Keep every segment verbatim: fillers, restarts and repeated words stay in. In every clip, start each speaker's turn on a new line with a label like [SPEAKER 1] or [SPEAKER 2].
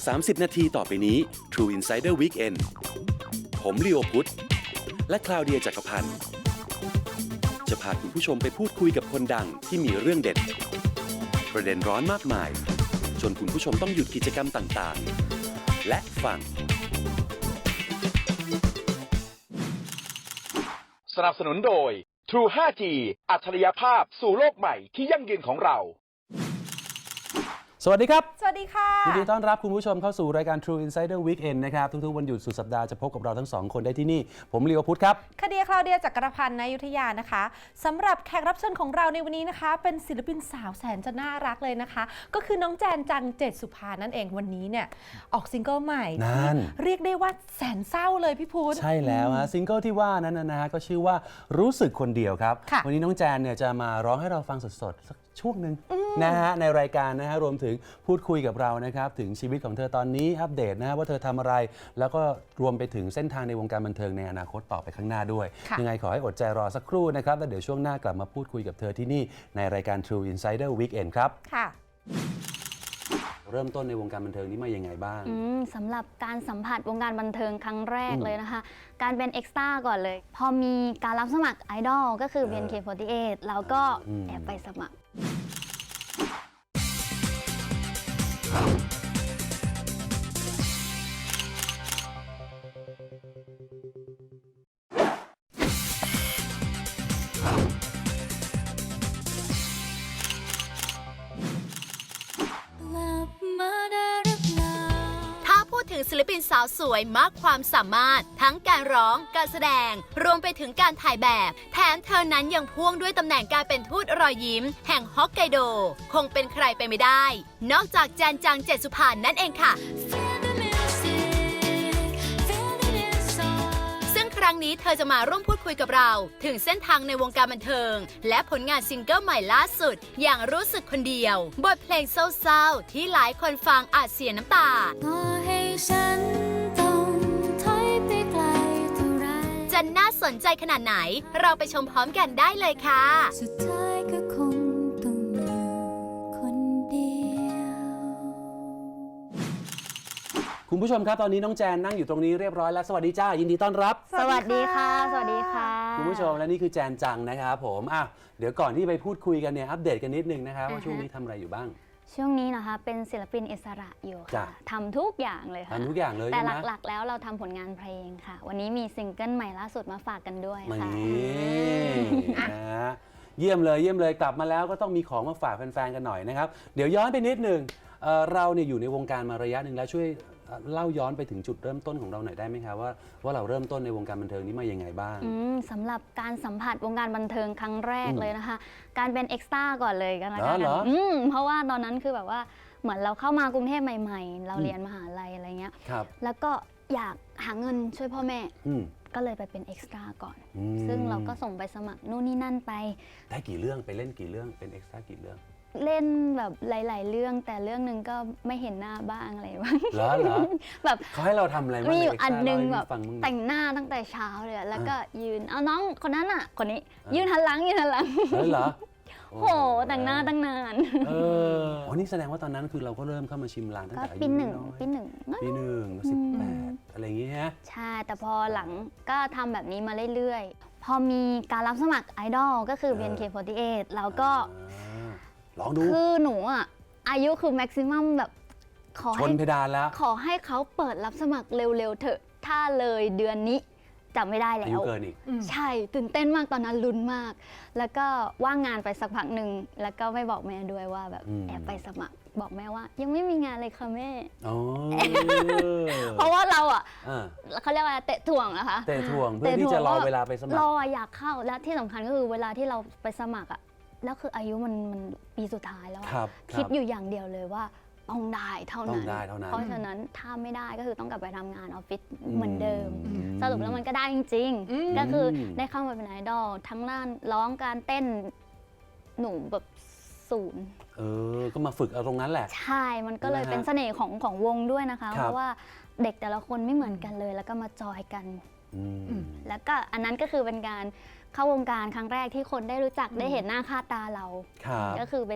[SPEAKER 1] สามสิบ นาทีต่อไปนี้ True Insider Weekend ผมลีโอพุทธและคลาวเดียจักรพันธ์จะพาคุณผู้ชมไปพูดคุยกับคนดังที่มีเรื่องเด็ดประเด็นร้อนมากมายจนคุณผู้ชมต้องหยุดกิจกรรมต่างๆและฟัง
[SPEAKER 2] สนับสนุนโดย True ไฟว์ จี อัจฉริยภาพสู่โลกใหม่ที่ยั่งยืนของเรา
[SPEAKER 3] สวัสดีครับ
[SPEAKER 4] สวัสดีค่ะ
[SPEAKER 3] ยินดีต้อนรับคุณผู้ชมเข้าสู่รายการ True Insider Weekend นะครับทุกๆวันหยุดสุดสัปดาห์จะพบกับเราทั้งสองคนได้ที่นี่ผมลีโอพุทธครับ
[SPEAKER 4] คดีคลาวเดียจักรพันธ์ณอยุธยานะคะสำหรับแขกรับเชิญของเราในวันนี้นะคะเป็นศิลปินสาวแสนจะน่ารักเลยนะคะก็คือน้องแจนจังเจตสุภานั่นเองวันนี้เนี่ยออกซิงเกิลใหม่
[SPEAKER 3] นั่น
[SPEAKER 4] เรียกได้ว่าแสนเศร้าเลยพี่พุทธ
[SPEAKER 3] ใช่แล้วฮะซิงเกิลที่ว่านั้นนะฮะก็ชื่อว่ารู้สึกคนเดียวครับวันนี้น้องแจนเนี่ยจะมาร้องให้เราฟังสดๆสักช่วงหนึ่งนะฮะในรายการนะฮะรวมถึงพูดคุยกับเรานะครับถึงชีวิตของเธอตอนนี้อัปเดตนะฮะว่าเธอทำอะไรแล้วก็รวมไปถึงเส้นทางในวงการบันเทิงในอนาคตต่อไปข้างหน้าด้วยยังไงขอให้อดใจรอสักครู่นะครับแล้วเดี๋ยวช่วงหน้ากลับมาพูดคุยกับเธอที่นี่ในรายการ True Insider Weekend ครับ
[SPEAKER 4] ค่ะ
[SPEAKER 3] เริ่มต้นในวงการบันเทิงนี้มายังไงบ้าง
[SPEAKER 5] สำหรับการสัมผัสวงการบันเทิงครั้งแรกเลยนะคะการเป็นเอ็กซ์ตร้าก่อนเลยพอมีการรับสมัครไอดอลก็คือ บี เอ็น เค โฟร์ตี้เอท เราก็แอบไปสมัคร
[SPEAKER 6] ศิลปินสาวสวยมากความสามารถทั้งการร้องการแสดงรวมไปถึงการถ่ายแบบแถมเธอนั้นยังพ่วงด้วยตำแหน่งการเป็นทูตรอยยิ้มแห่งฮอกไกโดคงเป็นใครไปไม่ได้นอกจากแจนจังเจตสุภานั่นเองค่ะครั้งนี้เธอจะมาร่วมพูดคุยกับเราถึงเส้นทางในวงการบันเทิงและผลงานซิงเกิลใหม่ล่าสุดอย่างรู้สึกคนเดียวบทเพลงเศร้าๆที่หลายคนฟังอาจเสียน้ำตาจะน่าสนใจขนาดไหนเราไปชมพร้อมกันได้เลยค่ะสุดท้ายก็คงต้องอยู่คนเดียว
[SPEAKER 3] คุณผู้ชมครับตอนนี้น้องแจนนั่งอยู่ตรงนี้เรียบร้อยแล้วสวัสดีจ้ายินดีต้อนรับ
[SPEAKER 5] สวัสดีค่ะสวัสดีค่ะ
[SPEAKER 3] คุณผู้ชมและนี่คือแจนจังนะครับผมอ่ะเดี๋ยวก่อนที่ไปพูดคุยกันเนี่ยอัปเดตกันนิดนึงนะครับว่าช่วงนี้ทำอะไรอยู่บ้าง
[SPEAKER 5] ช่วงนี้นะคะเป็นศิลปินอิสระอยู่ค่ะทำทุกอย่างเลยค่ะ
[SPEAKER 3] ทำทุกอย่างเลย
[SPEAKER 5] แต่หลักๆแล้วเราทำผลงานเพลงค่ะวันนี้มีซิงเกิลใหม่ล่าสุดมาฝากกันด้วยค่ะ
[SPEAKER 3] นี่นะเยี่ยมเลยเยี่ยมเลยกลับมาแล้วก็ต้องมีของมาฝากแฟนๆกันหน่อยนะครับเดี๋ยวย้อนไปนิดนึงเราเนี่ยอยู่ในวงการมาระยะหนึ่งแล้วช่วยเล่าย้อนไปถึงจุดเริ่มต้นของเราหน่อยได้ไหมคะว่าว่าเราเริ่มต้นในวงการบันเทิงนี้มายังไงบ้าง
[SPEAKER 5] สำหรับการสัมผัสวงการบันเทิงครั้งแรกเลยนะคะการเป็นเอ็กซ์ตร้าก่อนเลยกันละกันเพราะว่าตอนนั้นคือแบบว่าเหมือนเราเข้ามากรุงเทพใหม่ๆเราเรียนมหาลัยอะไรเงี้ยแล้วก็อยากหาเงินช่วยพ่อแม่ก็เลยไปเป็นเอ็กซ์ตร้าก่อนซึ่งเราก็ส่งไปสมัครนู่นนี่นั่นไป
[SPEAKER 3] ได้กี่เรื่องไปเล่นกี่เรื่องเป็นเอ็กซ์ตร้ากี่เรื่อง
[SPEAKER 5] เล่นแบบหลายๆเรื่องแต่เรื่องหนึ่งก็ไม่เห็นหน้าบ้างอะไรบ้าง
[SPEAKER 3] เหรอเหรอ
[SPEAKER 5] แบบ
[SPEAKER 3] เขาให้เราทำอะไร
[SPEAKER 5] มีอยู่อันนึงแบบแต่งหน้าตั้งแต่เช้าเลยแล้วก็ยืนเอาน้องคนนั้นอ่ะคนนี้ยืนหันหลังยืนหันหลัง
[SPEAKER 3] เหรอ
[SPEAKER 5] โหแต่งหน้าตั้งนาน
[SPEAKER 3] เอออ๋อนี่แสดงว่าตอนนั้นคือเราก็เริ่มเข้ามาชิมลางตั้งแต่อายุ
[SPEAKER 5] ปีหนึ่งปีหนึ่ง
[SPEAKER 3] ปีหนึ่งสิบแปดอะไรอย่างเงี้ยฮะ
[SPEAKER 5] ใช่แต่พอหลังก็ทำแบบนี้มาเรื่อยๆพอมีการรับสมัครไอดอลก็คือ บี เอ็น เค โฟร์ตี้เอท เราก็
[SPEAKER 3] ลองดู
[SPEAKER 5] คือหนูอ่ะอายุคือแม็กซิมัมแบบ
[SPEAKER 3] ขอให้ชนเพดานแล้ว
[SPEAKER 5] ขอให้เขาเปิดรับสมัครเร็วๆเถอะถ้าเลยเดือนนี้จำไม่ได้แล้ว
[SPEAKER 3] อายุเกินอีก
[SPEAKER 5] ใช่ตื่นเต้นมากตอนนั้นลุ้นมากแล้วก็ว่างงานไปสักพักหนึ่งแล้วก็ไม่บอกแม่ด้วยว่าแบบแอบไปสมัครบอกแม่ว่ายังไม่มีงานเลยค่ะแม่เพราะว่าเราอ่ะเขาเรียกว่าเตะถ่วงนะคะ
[SPEAKER 3] เตะถ่วงเพื่อที่จะรอเวลาไปสมัคร
[SPEAKER 5] รออยากเข้าและที่สำคัญก็คือเวลาที่เราไปสมัครอ่ะแล้วคืออายุมันมันปีสุดท้ายแล้วคิดอยู่อย่างเดียวเลยว่าต้องได้เท่านั้นเพราะฉะนั้นถ้าไม่ได้ก็คือต้องกลับไปทำงานออฟฟิศเหมือนเดิมสรุปแล้วมันก็ได้จริงๆก็คือได้เข้ามาเป็นไอดอลทั้งด้านร้องการเต้นหนูแบบศูนย์
[SPEAKER 3] เออก็มาฝึกเอาตรงนั้นแหละ
[SPEAKER 5] ใช่มันก็เลยเป็นเสน่ห์ของของวงด้วยนะคะเพราะว่าเด็กแต่ละคนไม่เหมือนกันเลยแล้วก็มาจอยกันแล้วก็อันนั้นก็คือเป็นการเข้าวงการครั้งแรกที่คนได้รู้จักได้เห็นหน้าค่าตาเราก็คือเป็น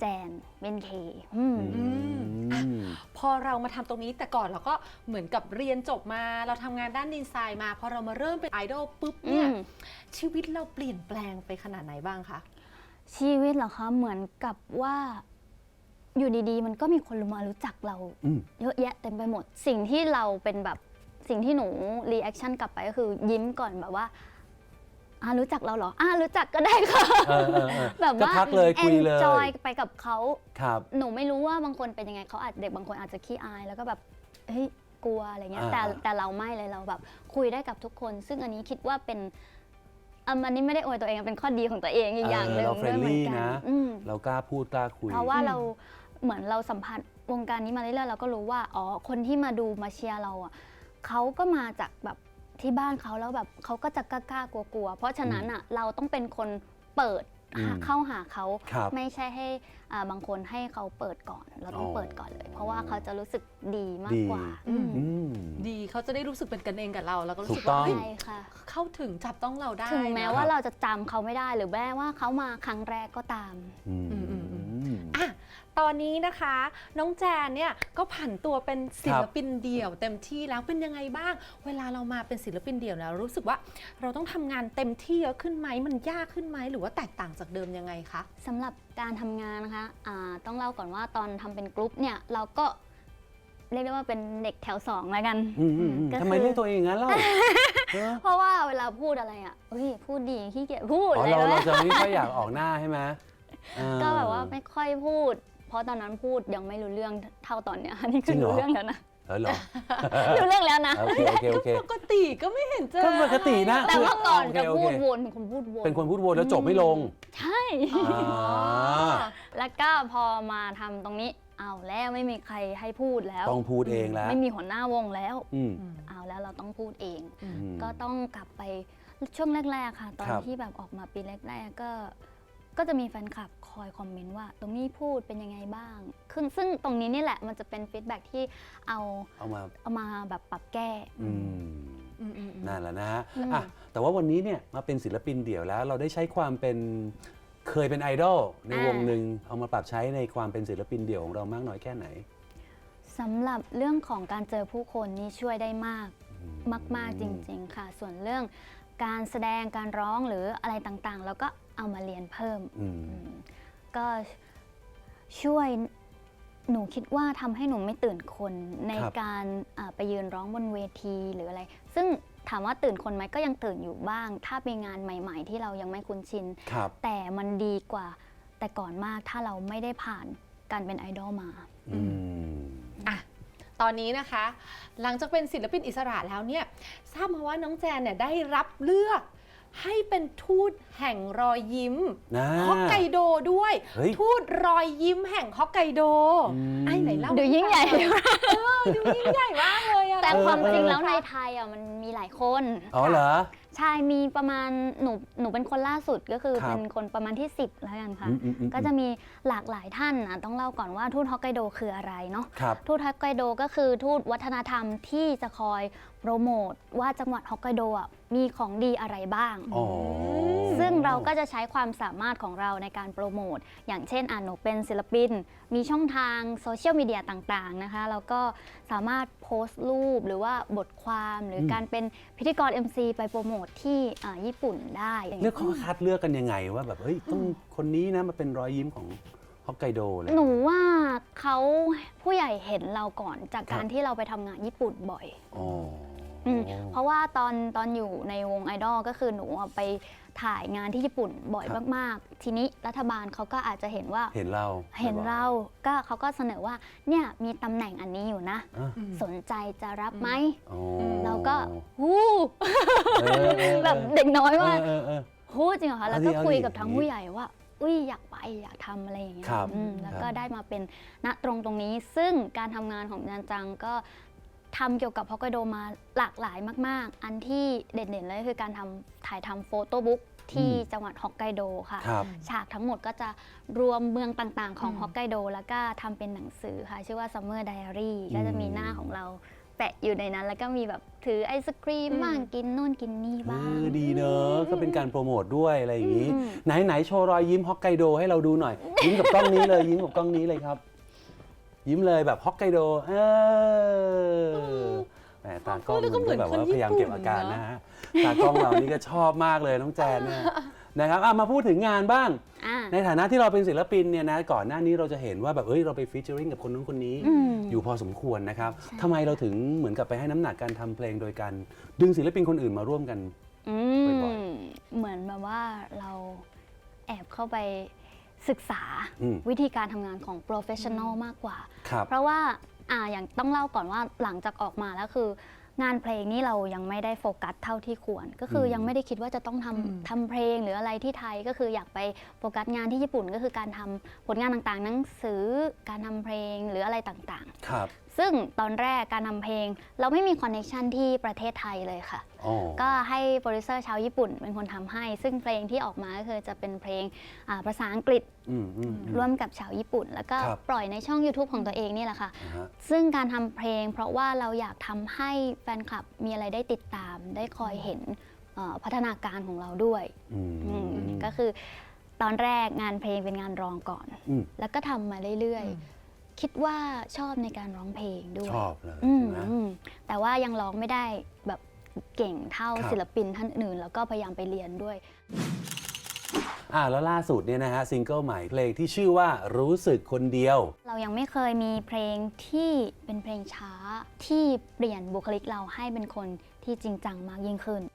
[SPEAKER 5] แจนเป็นเคอืม
[SPEAKER 3] อืม
[SPEAKER 4] พอเรามาทำตรงนี้แต่ก่อนเราก็เหมือนกับเรียนจบมาเราทำงานด้านดีไซน์มาพอเรามาเริ่มเป็นไอดอลปุ๊บเนี่ย
[SPEAKER 5] อืม
[SPEAKER 4] ชีวิตเราเปลี่ยนแปลงไปขนาดไหนบ้างคะ
[SPEAKER 5] ชีวิตเหรอคะเหมือนกับว่าอยู่ดีๆ มันก็มีคนมารู้จักเรา
[SPEAKER 3] อืม
[SPEAKER 5] เยอะแยะเต็มไปหมด สิ่งที่เราเป็นแบบสิ่งที่หนูรีแอคชั่นกลับไปก็คือยิ้มก่อนแบบว่าอ่ารู้จักเราเหรออ่ารู้จักก็ได้ค่ะ
[SPEAKER 3] เออเออเออ
[SPEAKER 5] แบบ
[SPEAKER 3] ก็
[SPEAKER 5] ว่า
[SPEAKER 3] ทักเลยคุยเลย
[SPEAKER 5] enjoy ไปกับเขา
[SPEAKER 3] ครับ
[SPEAKER 5] หนูไม่รู้ว่าบางคนเป็นยังไงเขาอาจเด็กบางคนอาจจะขี้อายแล้วก็แบบเฮ้ยกลัวอะไรเงี้ย
[SPEAKER 3] อ่า
[SPEAKER 5] แต่แต่เราไม่เลยเราแบบคุยได้กับทุกคน ซึ่งอันนี้คิดว่าเป็นอันนี้ไม่ได้อวยตัวเองเป็นข้อดีของตัวเองอีกอย่างหนึ่ง
[SPEAKER 3] เราเฟร
[SPEAKER 5] ด้วย
[SPEAKER 3] น
[SPEAKER 5] เหมือน
[SPEAKER 3] ลี่
[SPEAKER 5] กัน
[SPEAKER 3] นะ
[SPEAKER 5] อืม
[SPEAKER 3] เรากล้าพูดกล้าคุย
[SPEAKER 5] เพราะว่า
[SPEAKER 4] อืม
[SPEAKER 5] เราเหมือนเราสัมผัสวงการนี้มาเรื่อยๆเราก็รู้ว่าอ๋อคนที่มาดูมาเชียร์เราอ่ะเขาก็มาจากแบบที่บ้านเขาแล้วแบบเขาก็จะกล้าๆกลัวๆเพราะฉะนั้นอ่ะเราต้องเป็นคนเปิด
[SPEAKER 3] อืม
[SPEAKER 5] เข้าหาเขา
[SPEAKER 3] ครับ
[SPEAKER 5] ไม่ใช่ให้อ่าบางคนให้เขาเปิดก่อน เราต้อง
[SPEAKER 3] อ๋อ
[SPEAKER 5] เปิดก่อนเลย เพราะว่าเขาจะรู้สึกดีมาก
[SPEAKER 3] ดี
[SPEAKER 5] กว่า
[SPEAKER 4] อืม
[SPEAKER 3] อืม
[SPEAKER 4] ดีเขาจะได้รู้สึกเป็นกันเองกับเราแล้วก็รู้สึก
[SPEAKER 3] ถูกต้
[SPEAKER 4] ว่า
[SPEAKER 3] อง
[SPEAKER 4] เฮ้ย
[SPEAKER 5] ใช่ค่ะ
[SPEAKER 4] เข้าถึงจับต้องเราได้
[SPEAKER 5] ถึงแม้
[SPEAKER 4] นะ
[SPEAKER 5] ว่าเราจะจำเขาไม่ได้หรือแม้ว่าเขามาครั้งแรกก็ตาม
[SPEAKER 3] อืม
[SPEAKER 4] อืมอืมอื
[SPEAKER 3] อืม
[SPEAKER 4] อ่ะตอนนี้นะคะ น้องแจนเนี่ยก็ผันตัวเป็นศิลปินเดี่ยวเต็มที่แล้วเป็นยังไงบ้าง เวลาเรามาเป็นศิลปินเดี่ยวแล้วรู้สึกว่าเราต้องทำงานเต็มที่เยอะขึ้นไหมมันยากขึ้นไหมหรือว่าแตกต่างจากเดิมยังไงคะ
[SPEAKER 5] สำหรับการทำงานนะคะอ่าต้องเล่าก่อนว่าตอนทำเป็นกรุ๊ปเนี่ยเราก็เรียกได้ว่าเป็นเด็กแถวสองแล้วกัน
[SPEAKER 3] อืมอืมอืม
[SPEAKER 5] ก็คือ
[SPEAKER 3] ทำไมเรียกตัวเองอย่างนั้นเล่าเออ
[SPEAKER 5] เพราะว่าเวลาพูดอะไรอ่ะเฮ้ยพูดดีขี้เกียจพูด
[SPEAKER 3] อ๋อ
[SPEAKER 5] อะไร
[SPEAKER 3] เรา
[SPEAKER 5] แบ
[SPEAKER 3] เรา
[SPEAKER 5] บ
[SPEAKER 3] จะไม่ค่อยอยากออกหน้าใช่ไหมเออ
[SPEAKER 5] ก็แบบว่าไม่ค่อยพูด เพราะตอนนั้นพูดยังไม่รู้เรื่องเท่าตอนเนี้ย อันนี้
[SPEAKER 3] จริ
[SPEAKER 5] คือง
[SPEAKER 3] เหรอ
[SPEAKER 5] รู้เรื่องแล้วนะ
[SPEAKER 3] เออเหรอ
[SPEAKER 5] รู้เรื่องแล้วนะ
[SPEAKER 3] โอเคโอเคโอเค
[SPEAKER 4] ปกติก็ไม่เห็นเจอ
[SPEAKER 3] ก็ปกตินะ
[SPEAKER 5] แต่ว่าก่อนจะ
[SPEAKER 3] โอเค
[SPEAKER 5] พูด
[SPEAKER 3] โอเค
[SPEAKER 5] วนเป็นคนพูดวน
[SPEAKER 3] เป็นคนพูดวนแล้วจบไม่ลง
[SPEAKER 5] ใช่
[SPEAKER 3] อ่า
[SPEAKER 5] แล้วก็พอมาทำตรงนี้เอาแล้วไม่มีใครให้พูดแล้ว
[SPEAKER 3] ต้องพูดเองแล้ว
[SPEAKER 5] ไม่มีหัวหน้าวงแล้ว
[SPEAKER 3] อืม
[SPEAKER 5] เอาแล้วเราต้องพูดเอง
[SPEAKER 3] อืม
[SPEAKER 5] ก็ต้องกลับไปช่วงแรก ๆ ค่ะ ตอน
[SPEAKER 3] ครับ
[SPEAKER 5] ที่แบบออกมาปีแรก ๆ ก็ ก็จะมีแฟนคลับคอยคอมเมนต์ว่า ตรงนี้พูดเป็นยังไงบ้างคือซึ่งตรงนี้นี่แหละมันจะเป็นฟีดแบ็กที่เอา
[SPEAKER 3] เอามา
[SPEAKER 5] เอามาแบบปรับแก้
[SPEAKER 3] อืม
[SPEAKER 4] อืมอืมอืม
[SPEAKER 3] นั่นแหละนะฮะ
[SPEAKER 5] อืม
[SPEAKER 3] อ่ะแต่ว่าวันนี้เนี่ยมาเป็นศิลปินเดี่ยวแล้ว เราได้ใช้ความเป็นเคยเป็นไอดอลในวงหนึ่งเอามาปรับใช้ในความเป็นศิลปินเดี่ยวของเรามากน้อยแค่ไหน
[SPEAKER 5] สำหรับเรื่องของการเจอผู้คนนี่ช่วยได้มากมาก ๆ จริง ๆ ค่ะ ส่วนเรื่องการแสดงการร้องหรืออะไรต่างๆ เราก็เอามาเรียนเพิ่ม
[SPEAKER 3] อืม
[SPEAKER 5] อืมก็ช่วยหนูคิดว่าทำให้หนูไม่ตื่นคนใน
[SPEAKER 3] ครับ
[SPEAKER 5] การอ่าไปยืนร้องบนเวทีหรืออะไร ซึ่งถามว่าตื่นคนไหมก็ยังตื่นอยู่บ้าง ถ้าเป็นงานใหม่ ๆ ที่เรายังไม่คุ้นชิน
[SPEAKER 3] ครับ
[SPEAKER 5] แต่มันดีกว่าแต่ก่อนมากถ้าเราไม่ได้ผ่านการเป็นไอดอลมา
[SPEAKER 3] อืม
[SPEAKER 4] อ่ะตอนนี้นะคะ หลังจากเป็นศิลปินอิสระแล้วเนี่ยทราบมาว่าน้องแจนเนี่ยได้รับเลือกให้เป็นทูตแห่งรอยยิ้ม
[SPEAKER 3] นะ
[SPEAKER 4] ฮอกไกโดด้วย
[SPEAKER 3] เฮ้ย
[SPEAKER 4] ทูตรอยยิ้มแห่งฮอกไกโด
[SPEAKER 3] อืม
[SPEAKER 4] ไอ้ไหนเล่า
[SPEAKER 5] ดูยิ่งใหญ่
[SPEAKER 4] เออดูยิ่งใหญ่มากเลยอะ
[SPEAKER 5] แต่
[SPEAKER 3] เออ
[SPEAKER 5] ความจริง
[SPEAKER 3] เออ
[SPEAKER 5] แล้วในไทยอ่ะมันมีหลายคน
[SPEAKER 3] อ๋อเหรอ
[SPEAKER 5] ใช่มีประมาณหนูหนูเป็นคนล่าสุดก็คือ
[SPEAKER 3] ครับ
[SPEAKER 5] เป็นคนประมาณที่สิบแล้วกันค่ะ
[SPEAKER 3] อืมอืมอืม
[SPEAKER 5] ก็จะมีหลากหลายท่านนะต้องเล่าก่อนว่าทูตฮอกไกโดคืออะไรเนาะ
[SPEAKER 3] ครับ
[SPEAKER 5] ทูตฮอกไกโดก็คือทูตวัฒนธรรมที่จะคอยโปรโมทว่าจังหวัดฮอกไกโดอ่ะมีของดีอะไรบ้าง
[SPEAKER 3] อ๋อ
[SPEAKER 5] ซึ่งเราก็จะใช้ความสามารถของเราในการโปรโมทอย่างเช่นอ่ะหนูเป็นศิลปิน มีช่องทางโซเชียลมีเดียต่างๆนะคะแล้วก็สามารถโพสต์รูปหรือว่าบทความหรืออ
[SPEAKER 3] ม
[SPEAKER 5] การเป็นพิธีกร เอ็ม ซี ไปโปรโมทที่อ่าญี่ปุ่นได้
[SPEAKER 3] เลือกเขาคัดเลือกกันยังไงว่าแบบเฮ้ยต้องคนนี้นะมาเป็นรอยยิ้มของฮอกไกโดเลย
[SPEAKER 5] หนูว่าเขาผู้ใหญ่เห็นเราก่อนจากการ
[SPEAKER 3] ครับ
[SPEAKER 5] ที่เราไปทำงานญี่ปุ่นบ่อย
[SPEAKER 3] อ๋อ
[SPEAKER 5] อืมเพราะว่าตอนตอนอยู่ในวงไอดอลก็คือหนูอะไปถ่ายงานที่ญี่ปุ่นบ่อย
[SPEAKER 3] ครับ
[SPEAKER 5] มากๆ ทีนี้รัฐบาลเขาก็อาจจะเห็นว่า
[SPEAKER 3] เห็นเรา
[SPEAKER 5] เห็นเราก็เขาก็เสนอว่าเนี่ยมีตำแหน่งอันนี้อยู่นะ
[SPEAKER 3] อ่ะ
[SPEAKER 5] สนใจจะรับไหม
[SPEAKER 3] อ๋อ
[SPEAKER 5] เราก็ฮู้
[SPEAKER 3] เออเออเออ
[SPEAKER 5] แบบเด็กน้อยว่า
[SPEAKER 3] เออเออเออ
[SPEAKER 5] ฮู้จริงเหรอคะแล้วก็
[SPEAKER 3] เอาดิ
[SPEAKER 5] คุยกับ
[SPEAKER 3] เอาดิ
[SPEAKER 5] ทั้งผู้ใหญ่ว่า อุ้ยอยากไปอยากทำอะไรอย่างเงี้ย
[SPEAKER 3] ครับ
[SPEAKER 5] อืมแล้ว
[SPEAKER 3] ครับ
[SPEAKER 5] ก็ได้มาเป็นณตรงตรงนี้ ซึ่งการทำงานของจันจังก็ทำเกี่ยวกับฮอกไกโดมาหลากหลายมาก ๆ อันที่เด่นๆเลยคือการทำถ่ายทำโฟโต้บุ๊กที่จังหวัดฮอกไกโดค่ะ
[SPEAKER 3] ครับ
[SPEAKER 5] ฉากทั้งหมดก็จะรวมเมืองต่างๆ ของ
[SPEAKER 4] อืม
[SPEAKER 5] ฮอกไกโดแล้วก็ทำเป็นหนังสือค่ะ ชื่อว่า Summer Diary ก็จะมีหน้าของเราเแปะอยู่ในนั้น แล้วก็มีแบบถือไอศครีมบ้างกินนู่นกินนี่
[SPEAKER 3] เอ
[SPEAKER 5] บ้าง
[SPEAKER 3] อดีเนอะก็เป็นการโปรโมทด้วยอะไรอย่างนี้
[SPEAKER 5] อืม
[SPEAKER 3] ไหนไหนโชว์รอยยิ้มฮอกไกโดให้เราดูหน่อย ยิ้มกับกล้องนี้เลยยิ้มกับกล้องนี้เลยครับ ยิ้มเลยแบบฮอกไกโดเออแหมตากล้องมันก็แบบว่าพยายามเก็บอาการนะฮะตากล้องเรานี่ก็ชอบมากเลยน้องแจนเนี่ยนะครับอ่ะมาพูดถึงงานบ้าง
[SPEAKER 5] อ่า
[SPEAKER 3] ในฐานะที่เราเป็นศิลปินเนี่ยนะก่อนหน้านี้เราจะเห็นว่าแบบเอ้ยเราไปฟีเจอริงกับคนนู้นคนนี้
[SPEAKER 5] อืม
[SPEAKER 3] อยู่พอสมควรนะครับทำไมเราถึงเหมือนกับไปให้น้ำหนักการทำเพลงโดยการดึงศิลปินคนอื่นมาร่วมกัน
[SPEAKER 5] อื
[SPEAKER 3] บ่อย
[SPEAKER 5] มเหมือนแบบว่าเราแอบเข้าไปศึกษา
[SPEAKER 3] อืม
[SPEAKER 5] วิธีการทำงานของ professional มากกว่า
[SPEAKER 3] ครับ
[SPEAKER 5] เพราะว่าอ่าอย่างต้องเล่าก่อนว่าหลังจากออกมาแล้วคืองานเพลงนี่เรายังไม่ได้โฟกัสเท่าที่ควร ก็คือยังไม่ได้คิดว่าจะต้องทำทำเพลงหรืออะไรที่ไทยก็คืออยากไปโฟกัสงานที่ญี่ปุ่นก็คือการทำผลงานต่างๆ หนังสือการทำเพลงหรืออะไรต่างๆ
[SPEAKER 3] ครับ
[SPEAKER 5] ซึ่งตอนแรกการทำเพลงเราไม่มีคอนเนคชันที่ประเทศไทยเลยค่ะ
[SPEAKER 3] อ๋อ
[SPEAKER 5] ก็ให้โปรดิวเซอร์ชาวญี่ปุ่นเป็นคนทำให้ ซึ่งเพลงที่ออกมาก็คือจะเป็นเพลงอ่าภาษาอังกฤษ
[SPEAKER 3] อืมอืมอืม
[SPEAKER 5] ร่วมกับชาวญี่ปุ่น แล้วก็
[SPEAKER 3] ครับ
[SPEAKER 5] ปล่อยในช่อง YouTube ของตัวเองนี่แหละค่ะ
[SPEAKER 3] อ่าฮะ
[SPEAKER 5] ซึ่งการทำเพลงเพราะว่าเราอยากทำให้แฟนคลับมีอะไรได้ติดตาม ได้คอยเห็นเอ่อพัฒนาการของเราด้วย
[SPEAKER 3] อืม
[SPEAKER 5] อืมก็คือตอนแรกงานเพลงเป็นงานร้องก่อน
[SPEAKER 3] อืม
[SPEAKER 5] แล้วก็ทำมาเรื่อยๆ คิดว่าชอบในการร้องเพลงด้วย
[SPEAKER 3] ชอบเลย
[SPEAKER 5] อืม
[SPEAKER 3] นะ
[SPEAKER 5] อืมแต่ว่ายังร้องไม่ได้แบบเก่งเท่า
[SPEAKER 3] ครับ
[SPEAKER 5] ศิลปินท่านอื่น แล้วก็พยายามไปเรียนด้วย
[SPEAKER 3] อ่าแล้วล่าสุดเนี่ยนะฮะซิงเกิลใหม่เพลงที่ชื่อว่ารู้สึกคนเดียว
[SPEAKER 5] เรายังไม่เคยมีเพลงที่เป็นเพลงช้าที่เปลี่ยนบุคลิกเราให้เป็นคนที่จริงจังมากยิ่งขึ้น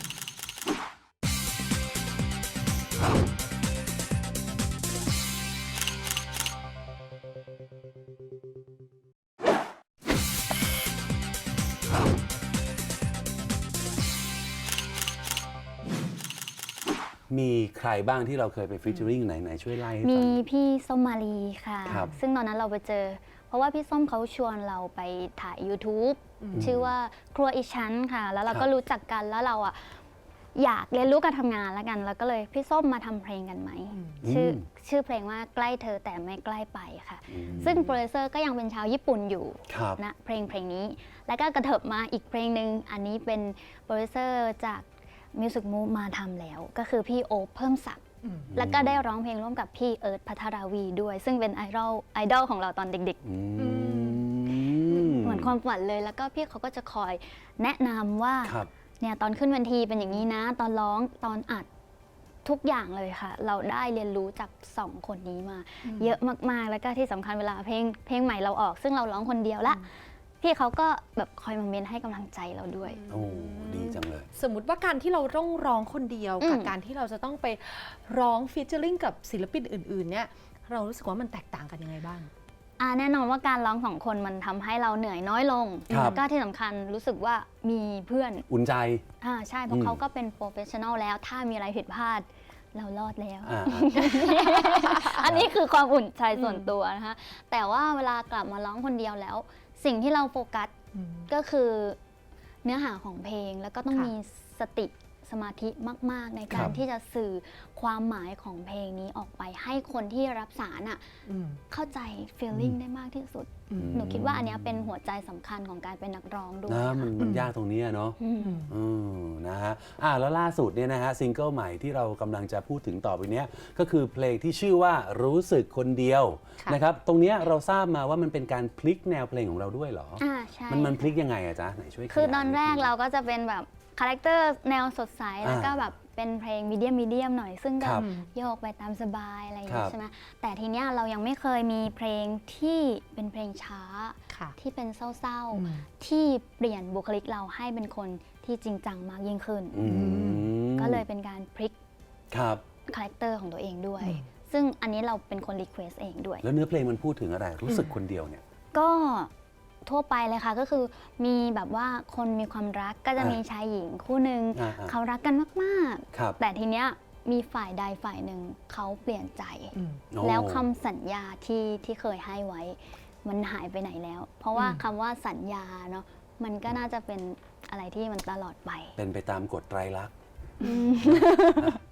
[SPEAKER 3] มีใครบ้างที่เราเคยไปฟีเจอริงไหนไหนช่วยไล่ให้ฟั
[SPEAKER 5] มี
[SPEAKER 3] ง
[SPEAKER 5] พี่ส้มมาลีค่ะ
[SPEAKER 3] ครับ
[SPEAKER 5] ซึ่งตอนนั้นเราไปเจอ เพราะว่าพี่ส้มเขาชวนเราไปถ่าย YouTube ชื่อว่าครัวอีชั้นค่ะ แล้วเราก็รู้จักกันแล้วเราอ่ะอยากเรียนรู้การทำงานแล้วกัน แล้วก็เลยพี่ส้มมาทำเพลงกันไหม ชื่อชื่อเพลงว่าใกล้เธอแต่ไม่ใกล้ไปค่ะ
[SPEAKER 3] อืม
[SPEAKER 5] ซึ่งโปรดิวเซอร์ก็ยังเป็นชาวญี่ปุ่นอยู่
[SPEAKER 3] ครับ
[SPEAKER 5] นะเพลงเพลงนี้ แล้วก็กระเถิบมาอีกเพลงหนึ่งอันนี้เป็นโปรดิวเซอร์จาก Music Move มาทำแล้ว ก็คือพี่โอ๊คเพิ่มศักดิ์แล้วก็ได้ร้องเพลงร่วมกับพี่เอิร์ธพัทราวีด้วย ซึ่งเป็นไอดอลไอดอลของเราตอนเด็ก
[SPEAKER 3] อืม
[SPEAKER 5] ๆ เหมือนความฝันเลย แล้วก็พี่เขาก็จะคอยแนะนำว่า
[SPEAKER 3] ครับ
[SPEAKER 5] เนี่ยตอนขึ้นเวทีเป็นอย่างนี้นะ ตอนร้องตอนอัดทุกอย่างเลยค่ะ เราได้เรียนรู้จากสองคนนี้มา เยอะมากๆ แล้วก็ที่สำคัญเวลาเพลงเพลงใหม่เราออก ซึ่งเราร้องคนเดียวละพี่เขาก็แบบคอยมาเมนให้กำลังใจเราด้วย
[SPEAKER 3] โอ้ดีจังเลย
[SPEAKER 4] สมมติว่าการที่เราต้องร้องคนเดียว
[SPEAKER 5] อืม
[SPEAKER 4] กับการที่เราจะต้องไปร้องฟีเจอริงกับศิลปินอื่นๆเนี่ยเรารู้สึกว่ามันแตกต่างกันยังไงบ้าง
[SPEAKER 5] อ่าแน่นอนว่าการร้องสองคนมันทำให้เราเหนื่อยน้อยลง
[SPEAKER 3] ครับ
[SPEAKER 5] แล้วก็ที่สำคัญรู้สึกว่ามีเพื่อน
[SPEAKER 3] อุ่นใจ
[SPEAKER 5] อ่าใช่เพราะ
[SPEAKER 3] อืม
[SPEAKER 5] เขาก็เป็นโปรเฟชชั่นอลแล้ว ถ้ามีอะไรผิดพลาดเรารอดแล้ว
[SPEAKER 3] อ่า
[SPEAKER 5] อันนี้คือความอุ่นใจส่วนตัวนะคะ แต่ว่าเวลากลับมาร้องคนเดียวแล้ว สิ่งที่เราโฟกัสก็คือเนื้อหาของเพลง แล้วก็ต้อง
[SPEAKER 4] ค่ะ
[SPEAKER 5] มีสติสมาธิมาก ๆ ในกา
[SPEAKER 3] ค
[SPEAKER 5] ร
[SPEAKER 3] รับ
[SPEAKER 5] ที่จะสื่อความหมายของเพลงนี้ออกไปให้คนที่รับสารอ่ะเข้าใจ feeling ได้มากที่สุด หนูคิดว่าอันเนี้ยเป็นหัวใจสำคัญของการเป็นนักร้องด้วย
[SPEAKER 3] นะ
[SPEAKER 5] ค่ะ
[SPEAKER 3] มันมันยากตรงนี้อะเนาะ
[SPEAKER 5] อืม
[SPEAKER 3] อืมนะฮะอ่าแล้วล่าสุดเนี่ยนะฮะซิงเกิลใหม่ที่เรากำลังจะพูดถึงต่อไปเนี้ยก็คือเพลงที่ชื่อว่ารู้สึกคนเดียว
[SPEAKER 4] ค่ะ
[SPEAKER 3] นะครับตรงเนี้ยเราทราบมาว่ามันเป็นการพลิกแนวเพลงของเราด้วยเหรอ
[SPEAKER 5] อ่าใช่
[SPEAKER 3] มันมันพลิกยังไงอะจ๊ะไหนช่วยขยาย
[SPEAKER 5] คือตอนแรก
[SPEAKER 3] ดง
[SPEAKER 5] เราก็จะเป็นแบบคาแรคเตอร์แนวสดใส
[SPEAKER 3] อ่า
[SPEAKER 5] แล้วก็แบบเป็นเพลงมีเดียมมีเดียมหน่อย ซึ่งก็
[SPEAKER 3] ครับ
[SPEAKER 5] โยกไปตามสบายอะไรอย่าง
[SPEAKER 3] ครั
[SPEAKER 5] นี้
[SPEAKER 3] บ
[SPEAKER 5] ใช่ไหมแต่ทีเนี้ยเรายังไม่เคยมีเพลงที่เป็นเพลงช้า
[SPEAKER 4] ค่ะ
[SPEAKER 5] ที่เป็นเศร้า
[SPEAKER 4] อืม
[SPEAKER 5] ๆ ที่เปลี่ยนบุคลิกเราให้เป็นคนที่จริงจังมากยิ่งขึ้น
[SPEAKER 3] อืม
[SPEAKER 5] ก็เลยเป็นการพลิก
[SPEAKER 3] ครับ
[SPEAKER 5] คาแรคเตอร์ของตัวเองด้วย
[SPEAKER 4] อืม
[SPEAKER 5] ซึ่งอันนี้เราเป็นคนรีเควสเองด้วย
[SPEAKER 3] แล้วเนื้อเพลงมันพูดถึงอะไรรู้สึกคนเดียวเนี่ย
[SPEAKER 5] ก็ทั่วไปเลยค่ะก็คือมีแบบว่าคนมีความรักก็จะ
[SPEAKER 3] อ่ามี
[SPEAKER 5] มีชายหญิงคู่หนึ่ง
[SPEAKER 3] อ่าๆ
[SPEAKER 5] เขารักกันมาก
[SPEAKER 3] ครับ
[SPEAKER 5] ๆ แต่ทีเนี้ยมีฝ่ายใดฝ่ายหนึ่งเขาเปลี่ยนใจ
[SPEAKER 4] อืม
[SPEAKER 3] โอ้
[SPEAKER 5] แล้วคำสัญญาที่ที่เคยให้ไว้ มันหายไปไหนแล้ว เพราะว่า
[SPEAKER 4] อืม
[SPEAKER 5] คำว่าสัญญาเนาะมันก็น่าจะเป็นอะไรที่มันตลอดไป
[SPEAKER 3] เป็นไปตามกฎไตรลักษณ์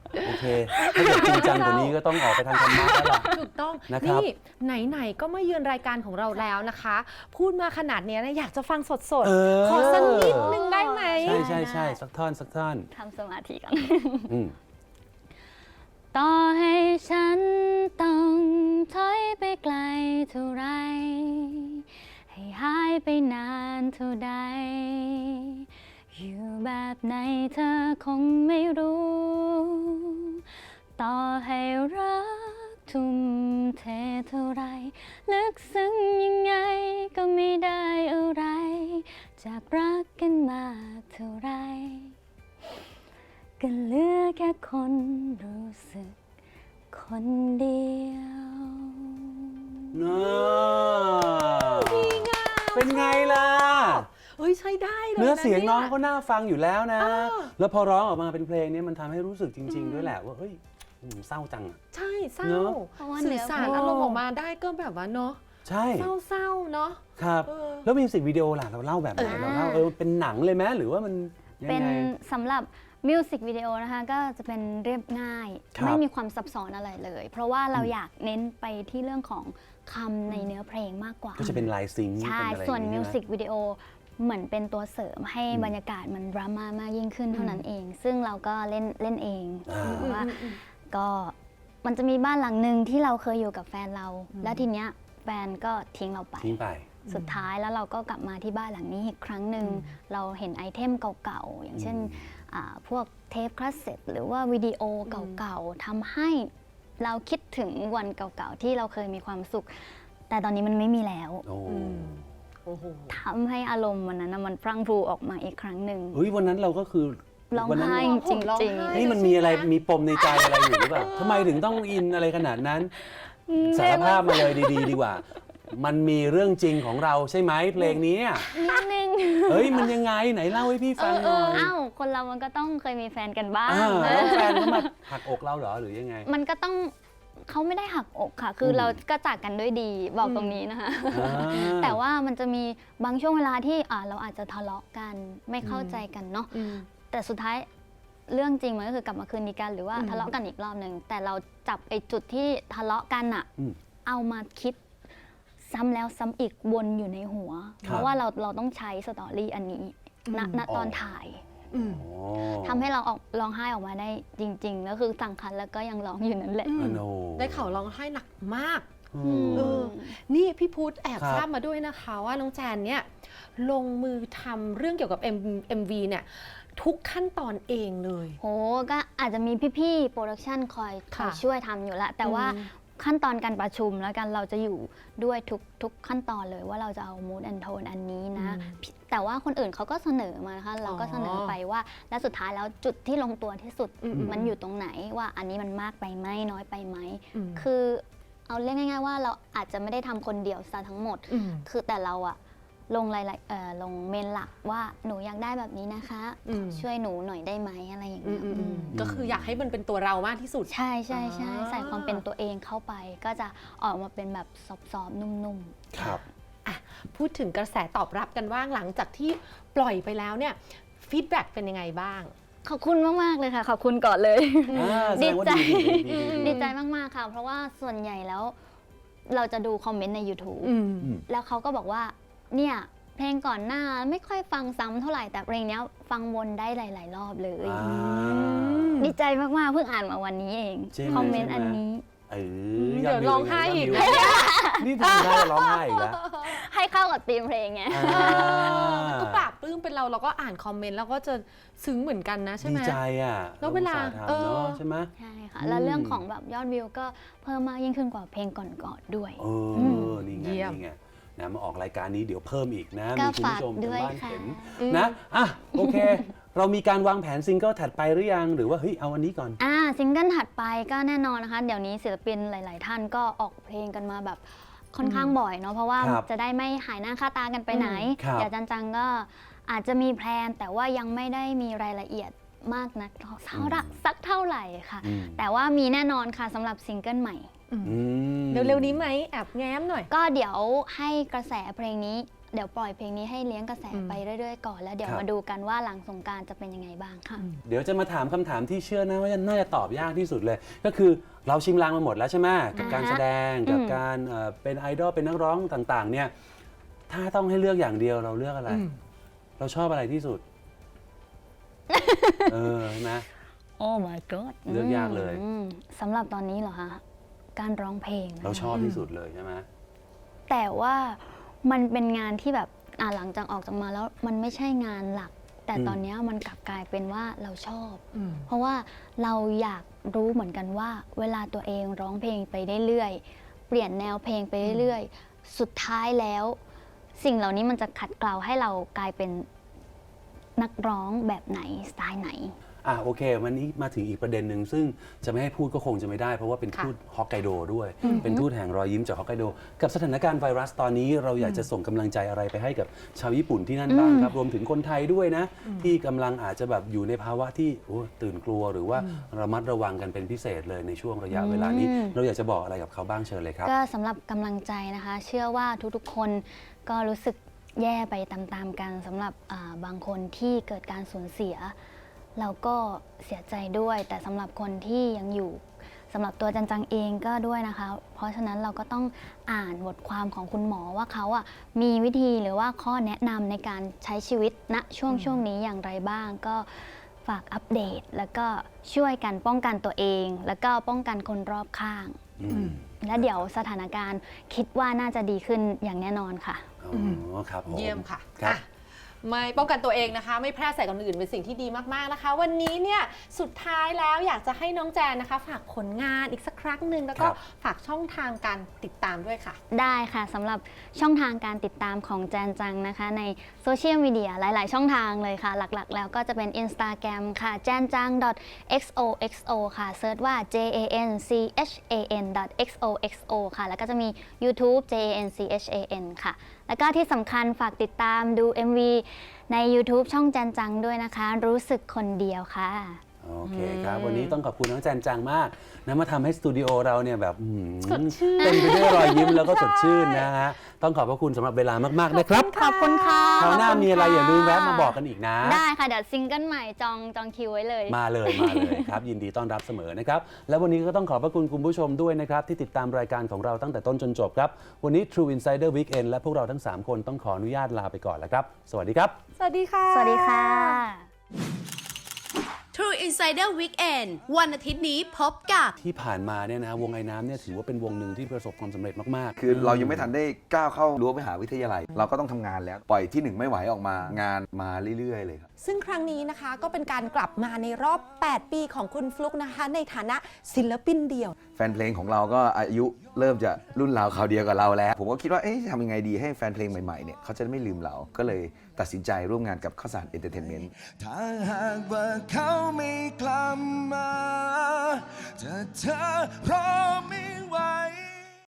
[SPEAKER 3] โอเคถ้าเกิดจริงจังกว่านี้ก็ต้องออกไปทางธรรมะแล้วล่ะ
[SPEAKER 4] ถูกต้อง
[SPEAKER 3] นะครับ
[SPEAKER 4] นี่ไหนๆก็มาเยือนรายการของเราแล้วนะคะ พูดมาขนาดเนี้ยนะอยากจะฟังสด
[SPEAKER 3] เออ
[SPEAKER 4] ๆ ขอสักนิดนึงได้ไหม
[SPEAKER 3] ใช่ใช่ใช่สักท่อนสักท่อน
[SPEAKER 5] ทำสมาธิกัน
[SPEAKER 3] อืม
[SPEAKER 5] ต่อให้ฉันต้องถอยไปไกลเท่าไร ให้หายไปนานเท่าใด อยู่แบบไหนเธอคงไม่รู้ ต่อให้รักทุ่มเทเท่าไร ลึกซึ้งยังไงก็ไม่ได้อะไร จากรักกันมาเท่าไร ก็เหลือแค่คนรู้สึกคนเดียว
[SPEAKER 3] น่าเป็นไงล่ะ
[SPEAKER 4] เฮ้ยใช้ได้เลย
[SPEAKER 3] เนื้อเสียงน้อง
[SPEAKER 4] ก็
[SPEAKER 3] เขาน่าฟังอยู่แล้วนะ
[SPEAKER 4] เออ
[SPEAKER 3] แล้วพอร้องออกมาเป็นเพลงนี้มันทำให้รู้สึกจริง ๆ ด้วยแหละว่าเฮ้ยอืมเศร้าจังอะ
[SPEAKER 4] ใช่เศร้า
[SPEAKER 3] เนอะ
[SPEAKER 5] เพราะว่า
[SPEAKER 4] สื่อสาร
[SPEAKER 5] เนื้อ
[SPEAKER 4] อารมณ์ออกมาได้ก็แบบว่าเนาะ
[SPEAKER 3] ใช่
[SPEAKER 4] เศร้าๆเนาะ
[SPEAKER 3] ครับ
[SPEAKER 4] เออ
[SPEAKER 3] แล้วมิวสิกวิดีโอล่ะเราเล่าแบบไหน
[SPEAKER 4] เออ
[SPEAKER 3] เราเล่าเออเป็นหนังเลยไหมหรือว่ามันยัง
[SPEAKER 5] เป็น
[SPEAKER 3] ไง
[SPEAKER 5] สำหรับมิวสิกวิดีโอนะคะก็จะเป็นเรียบง่าย
[SPEAKER 3] ครับ
[SPEAKER 5] ไม่มีความซับซ้อนอะไรเลย เพราะว่าเรา
[SPEAKER 3] อืม
[SPEAKER 5] อยากเน้นไปที่เรื่องของคำในเนื้อเพลงมากกว่า
[SPEAKER 3] ก็จะเป็นลายซิงค์
[SPEAKER 5] ใช่
[SPEAKER 3] เป็นอะไร
[SPEAKER 5] ส่วน
[SPEAKER 3] อย่าง
[SPEAKER 5] มิ
[SPEAKER 3] งี้
[SPEAKER 5] ว
[SPEAKER 3] ใช่ไห
[SPEAKER 5] สิกวิดีโอเหมือนเป็นตัวเสริมให้
[SPEAKER 3] อืม
[SPEAKER 5] บรรยากาศมันดราม่ามากยิ่งขึ้นเท่านั้นเอง ซึ่งเราก็เล่นเล่นเอง
[SPEAKER 3] อ่า
[SPEAKER 5] เพราะว่าก็มันจะมีบ้านหลังหนึ่งที่เราเคยอยู่กับแฟนเรา แล้วทีเนี้ยแฟนก็ทิ้งเราไป
[SPEAKER 3] ทิ้งไป
[SPEAKER 5] สุดท้ายแล้วเราก็กลับมาที่บ้านหลังนี้อีกครั้งหนึ่งเราเห็นไอเทมเก่าๆ อย่างเช่นอ่าพวกเทปคาสเซ็ตหรือว่าวิดีโอเก่าๆทำให้เราคิดถึงวันเก่าๆ ที่เราเคยมีความสุข แต่ตอนนี้มันไม่มีแล้ว
[SPEAKER 3] โอ้
[SPEAKER 4] โอ้โห
[SPEAKER 5] ทำให้อารมณ์วันนั้นน่ะมันพรั่งพรูออกมาอีกครั้งหนึ่ง
[SPEAKER 3] เฮ้ยวันนั้นเราก็คือ
[SPEAKER 5] ร้อง
[SPEAKER 3] วันั้น
[SPEAKER 5] ไห้
[SPEAKER 4] ผ
[SPEAKER 5] จ
[SPEAKER 4] มร้อง
[SPEAKER 5] ริง
[SPEAKER 4] ไห้
[SPEAKER 3] นี่มันมีอะไรมีปมในใจอะไรอยู่หรือเปล่าทำไมถึงต้องอินอะไรขนาดนั้น สารภาพมาเลยดีๆ ดีกว่า มันมีเรื่องจริงของเราใช่ไหมเพลงนี้อะ
[SPEAKER 5] ๆนิดนึง
[SPEAKER 3] เฮ้ยมันยังไงไหนเล่าให้พี่ฟังหน่อย
[SPEAKER 5] อ้าวคนเรามันก็ต้องเคยมีแฟนกันบ้าง
[SPEAKER 3] อ่าแล้วแฟนเขามาหักอกเราเหรอหรือยังไง
[SPEAKER 5] มันก็ต้องเขาไม่ได้หักอกค่ะ คืออ
[SPEAKER 3] ม
[SPEAKER 5] เราก็จากกันด้วยดีบอกตรงนี้นะคะ
[SPEAKER 3] อ่า
[SPEAKER 5] แต่ว่ามันจะมีบางช่วงเวลาที่อ่าเราอาจจะทะเลาะกันไม่เข้าใจกันเนาะ
[SPEAKER 4] อืม
[SPEAKER 5] แต่สุดท้ายเรื่องจริงมันก็คือกลับมาคืนดีกันหรือว่า
[SPEAKER 4] อืม
[SPEAKER 5] ทะเลาะกันอีกรอบหนึ่งแต่เราจับไอ้จุดที่ทะเลาะกันอะ
[SPEAKER 3] อืม
[SPEAKER 5] เอามาคิดซ้ำแล้วซ้ำอีกวนอยู่ในหัว
[SPEAKER 3] ครับ
[SPEAKER 5] เพราะว่าเราเราต้องใช้สตอรี่อันนี้ณณตอนถ่าย
[SPEAKER 4] อืม
[SPEAKER 3] โอ้
[SPEAKER 5] ทำให้เราออกร้องไห้ออกมาได้จริงๆแล้วคือสั่งคันแล้วก็ยังร้องอยู่นั่นแหละ
[SPEAKER 3] อโน
[SPEAKER 4] ได้ข่าวร้องไห้หนักมาก
[SPEAKER 3] อืม
[SPEAKER 4] เออ นี่พี่พุธแอบ
[SPEAKER 3] ครับ
[SPEAKER 4] ทราบมาด้วยนะคะว่าน้องแจนเนี่ยลงมือทำเรื่องเกี่ยวกับ M เอ็ม วี เนี่ยทุกขั้นตอนเองเลย
[SPEAKER 5] โหก็อาจจะมีพี่ๆโปรดักชันคอยค
[SPEAKER 4] ค่ะ
[SPEAKER 5] อยช่วยทำอยู่ละแต่ว่า
[SPEAKER 4] อืม
[SPEAKER 5] ขั้นตอนการประชุมแล้วกันเราจะอยู่ด้วยทุกทุกขั้นตอนเลยว่าเราจะเอา mood and tone อันนี้นะ แต่ว่าคนอื่นเขาก็เสนอมานะคะเราก็เสนอไปว่า และสุดท้ายแล้วจุดที่ลงตัวที่สุด
[SPEAKER 4] อืม
[SPEAKER 5] มันอยู่ตรงไหนว่าอันนี้มันมากไปไหมน้อยไปไหม
[SPEAKER 4] อืม
[SPEAKER 5] คือเอาเรียกง่ายๆว่าเราอาจจะไม่ได้ทำคนเดียวซะทั้งหมด
[SPEAKER 4] อืม
[SPEAKER 5] คือแต่เราอะลงรายละเอ่อลงเมนหลักว่าหนูอยากได้แบบนี้นะคะ
[SPEAKER 4] อืม
[SPEAKER 5] ช่วยหนูหน่อยได้ไหมอะไรอย่าง
[SPEAKER 4] อื
[SPEAKER 5] เงี้
[SPEAKER 4] ม
[SPEAKER 5] ย
[SPEAKER 4] อืมอืม
[SPEAKER 5] อืม
[SPEAKER 4] ก็คืออยากให้มันเป็นตัวเรามากที่สุด
[SPEAKER 5] ใช่ใช่ใช่
[SPEAKER 4] อ่า
[SPEAKER 5] ใส่ความเป็นตัวเองเข้าไป ก็จะออกมาเป็นแบบซอฟๆนุ่ม
[SPEAKER 3] ครับ
[SPEAKER 4] พูดถึงกระแสตอบรับกันว่างหลังจากที่ปล่อยไปแล้วเนี่ยฟีดแบ็กเป็นยังไงบ้าง
[SPEAKER 5] ๆ ขอบคุณมาก ๆ เลยค่ะ ขอบคุณก่อนเลย
[SPEAKER 3] อ่าแสดงว่า
[SPEAKER 5] ดีใจ
[SPEAKER 3] ดีดีดีดีดี
[SPEAKER 5] ดีใจมาก ๆ ค่ะ เพราะว่าส่วนใหญ่แล้ว เราจะดูคอมเมนต์ใน YouTube
[SPEAKER 4] อืม
[SPEAKER 3] อืม
[SPEAKER 5] แล้วเขาก็บอกว่าเนี่ยเพลงก่อนหน้าไม่ค่อยฟังซ้ำเท่าไหร่แต่เพลงเนี้ยฟังวนได้หลาย ๆ รอบเลย
[SPEAKER 3] อ่า
[SPEAKER 5] ดีใจมาก ๆ เพิ่งอ่านมาวันนี้เอง
[SPEAKER 3] ใช่ไหม
[SPEAKER 5] คอมเมนต์
[SPEAKER 3] ใช่
[SPEAKER 5] อัน
[SPEAKER 3] ไหม
[SPEAKER 5] นี้
[SPEAKER 3] เอ
[SPEAKER 4] เดี๋ยวร้องไห้อีก
[SPEAKER 3] ยดวิวนี่ทำได้ร้องไห้อีกแล้ว
[SPEAKER 5] ให้เข้ากับธีมเพลงไง
[SPEAKER 3] อ่า
[SPEAKER 4] มันก็ปราบปลื้มเป็นเราเราก็อ่านคอมเมนต์แล้วก็จะซึ้งเหมือนกันนะใช่
[SPEAKER 3] ดี
[SPEAKER 4] ไหม
[SPEAKER 3] ใจอ่ะ
[SPEAKER 4] แล้วเวลา
[SPEAKER 3] รอุตส่ห์
[SPEAKER 4] เอ
[SPEAKER 3] ทำ
[SPEAKER 4] อ
[SPEAKER 3] เนาะใช่ไหม
[SPEAKER 5] ใช่ค่ะ
[SPEAKER 3] อืม
[SPEAKER 5] แล้วเรื่องของแบบยอดวิวก็เพิ่มมากยิ่งขึ้นกว่าเพลงก่อนๆด้วย
[SPEAKER 3] เออนี่ไง
[SPEAKER 4] เยี่ยม
[SPEAKER 3] นี่ไงนะมาออกรายการนี้เดี๋ยวเพิ่มอีกนะ
[SPEAKER 5] ก็
[SPEAKER 3] มีคุณผู้ชม
[SPEAKER 5] ฝากด้วย
[SPEAKER 3] ทางบ้าน
[SPEAKER 5] ค่ะ
[SPEAKER 3] เห็นนะอ่ะโอเค เรามีการวางแผนซิงเกิลถัดไปหรือยังหรือว่าเฮ้ยเอาอันนี้ก่อน
[SPEAKER 5] อ่าซิงเกิลถัดไปก็แน่นอนนะคะ เดี๋ยวนี้ศิลปินหลาย ๆ ท่านก็ออกเพลงกันมาแบบค่อนข้างบ่อยเนาะเพราะว่า
[SPEAKER 3] ครับ
[SPEAKER 5] จะได้ไม่หายหน้าค่าตากันไปไหน
[SPEAKER 3] ครับ
[SPEAKER 5] เดี๋ยวจันจังก็อาจจะมีแพลน แต่ว่ายังไม่ได้มีรายละเอียดมากนักเท่าไหร่สักเท่าไหร่ค่ะ
[SPEAKER 3] อืม
[SPEAKER 5] แต่ว่ามีแน่นอนค่ะสำหรับซิงเกิลใหม่
[SPEAKER 3] อืม
[SPEAKER 4] เร็วๆนี้ไหมแอบแง้มหน่อย
[SPEAKER 5] ก็เดี๋ยวให้กระแสเพลงนี้เดี๋ยวปล่อยเพลงนี้ให้เลี้ยงกระแสไปเรื่อยๆก่อนแล้วเดี๋ยวมาดูกันว่าหลังสงกรานต์จะเป็นยังไงบ้างค่ะ
[SPEAKER 3] เดี๋ยวจะมาถามคำถามที่เชื่อนะว่าน่าจะตอบยากที่สุดเลย ก็คือเราชิมลางมาหมดแล้วใช่ไหมกับการแสดงกับการเป็นไอดอลเป็นนักร้องต่างๆเนี่ยถ้าต้องให้เลือกอย่างเดียวเราเลือกอะไรเราชอบอะไรที่สุดเออนะ
[SPEAKER 5] โอ้ my god
[SPEAKER 3] เลือกยากเลย
[SPEAKER 5] สำหรับตอนนี้เหรอคะการร้องเพลง
[SPEAKER 3] เราชอบที่สุดเลยใช่ไหม
[SPEAKER 5] แต่ว่ามันเป็นงานที่แบบอ่าหลังจากออกจากมาแล้วมันไม่ใช่งานหลักแต่ตอนนี้มันกลับกลายเป็นว่าเราชอบเพราะว่าเราอยากรู้เหมือนกันว่าเวลาตัวเองร้องเพลงไปเรื่อยๆเปลี่ยนแนวเพลงไปเรื่อยๆสุดท้ายแล้วสิ่งเหล่านี้มันจะขัดเกลาให้เรากลายเป็นนักร้องแบบไหนสไตล์ไหน
[SPEAKER 3] อ่ะโอเควันนี้มาถึงอีกประเด็นหนึ่งซึ่งจะไม่ให้พูดก็คงจะไม่ได้เพราะว่าเป็นทูตฮอกไกโดด้วยเป็นทูตแห่งรอยยิ้มจากฮอกไกโดกับสถานการณ์ไวรัสตอนนี้เราอยากจะส่งกำลังใจอะไรไปให้กับชาวญี่ปุ่นที่นั่นบ้างครับรวมถึงคนไทยด้วยนะที่กำลังอาจจะแบบอยู่ในภาวะที่ตื่นกลัวหรือว่าระมัดระวังกันเป็นพิเศษเลยในช่วงระยะเวลานี้เราอยากจะบอกอะไรกับเขาบ้างเชิญเลยครับ
[SPEAKER 5] ก็สำหรับกำลังใจนะคะเชื่อว่าทุกๆคนก็รู้สึกแย่ไปตามๆกันสำหรับบางคนที่เกิดการสูญเสียเราก็เสียใจด้วยแต่สำหรับคนที่ยังอยู่สำหรับตัวจันจังเองก็ด้วยนะคะเพราะฉะนั้นเราก็ต้องอ่านบทความของคุณหมอว่าเขาอ่ะมีวิธีหรือว่าข้อแนะนำในการใช้ชีวิตณช่วงช่วงนี้อย่างไรบ้างก็ฝากอัปเดตแล้วก็ช่วยกันป้องกันตัวเองแล้วก็ป้องกันคนรอบข้างและเดี๋ยวสถานการณ์คิดว่าน่าจะดีขึ้นอย่างแน่นอนค่ะ
[SPEAKER 3] อ๋อครับ
[SPEAKER 4] เยี่ยมค่ะไม่ป้องกันตัวเองนะคะไม่แพร่ใส่คนอื่นเป็นสิ่งที่ดีมากๆนะคะวันนี้เนี่ยสุดท้ายแล้วอยากจะให้น้องแจนนะคะฝากผลงานอีกสักครั้งหนึ่งแล้วก็ฝากช่องทางการติดตามด้วยค่ะ
[SPEAKER 5] ได้ค่ะสำหรับช่องทางการติดตามของแจนจังนะคะในโซเชียลมีเดียหลายๆช่องทางเลยค่ะหลักๆแล้วก็จะเป็น Instagram ค่ะ แจนจัง .xoxo ค่ะเซิร์ชว่า j a n c h a n .xoxo ค่ะแล้วก็จะมี YouTube เจ เอ เอ็น ซี เอช เอ เอ็น ค่ะแล้วก็ที่สำคัญฝากติดตามดู เอ็ม วี ใน YouTube ช่องแจนจังด้วยนะคะรู้สึกคนเดียวค่ะ
[SPEAKER 3] โอเคครับวันนี้ต้องขอบคุณน้องแจนจังมากนะมาทำให้สตูดิโอเราเนี่ยแบบ
[SPEAKER 4] สดชื่น
[SPEAKER 3] เต็มไปด้วยรอยยิ้มแล้วก็สดชื่นนะฮะต้องขอบพระคุณสำหรับเวลามากๆนะครับ
[SPEAKER 5] ขอบคุณค่ะ
[SPEAKER 3] คราวหน้ามีอะไรอย่าลืมแวะมาบอกกันอีกนะ
[SPEAKER 5] ได้ค่ะเดี๋ยวซิงเกิลใหม่จองจองคิวไว้เลย
[SPEAKER 3] มาเลยมาเลยครับยินดีต้อนรับเสมอนะครับและวันนี้ก็ต้องขอบพระคุณคุณผู้ชมด้วยนะครับที่ติดตามรายการของเราตั้งแต่ต้นจนจบครับวันนี้ True Insider Weekend และพวกเราทั้งสามคนต้องขออนุญาตลาไปก่อนแล้วครับสวัสดีครับ
[SPEAKER 4] สวัสดีค่ะ
[SPEAKER 5] สวัสดีค่ะ
[SPEAKER 6] True Insider Weekend วันอาทิตย์นี้พบกับ
[SPEAKER 3] ที่ผ่านมาเนี่ยนะวงไอ้น้ำเนี่ยถือว่าเป็นวงหนึ่งที่ประสบความสำเร็จมาก
[SPEAKER 7] ๆคือเรายังไม่ทันได้ก้าวเข้ารั้วมหาวิทยาลัยเราก็ต้องทำงานแล้วปล่อยที่หนึ่งไม่ไหวออกมางานมาเรื่อยๆเลยครับ
[SPEAKER 4] ซึ่งครั้งนี้นะคะก็เป็นการกลับมาในรอบแปดปีของคุณฟลุ๊กนะคะในฐานะศิลปินเดี่ยว
[SPEAKER 7] แฟนเพลงของเราก็อายุเริ่มจะรุ่นราวคราวเดียวกับเราแล้วผมก็คิดว่าเอ๊ะจะทำยังไงดีให้แฟนเพลงใหม่ๆเนี่ยเขาจะไม่ลืมเราก็เลยตัดสินใจร่วมงานกับข้าวสารเอนเตอร์เทนเมนต์ถ้าหากว่าเขาไม่กลับมาถ้าเธอรอไม่ไหว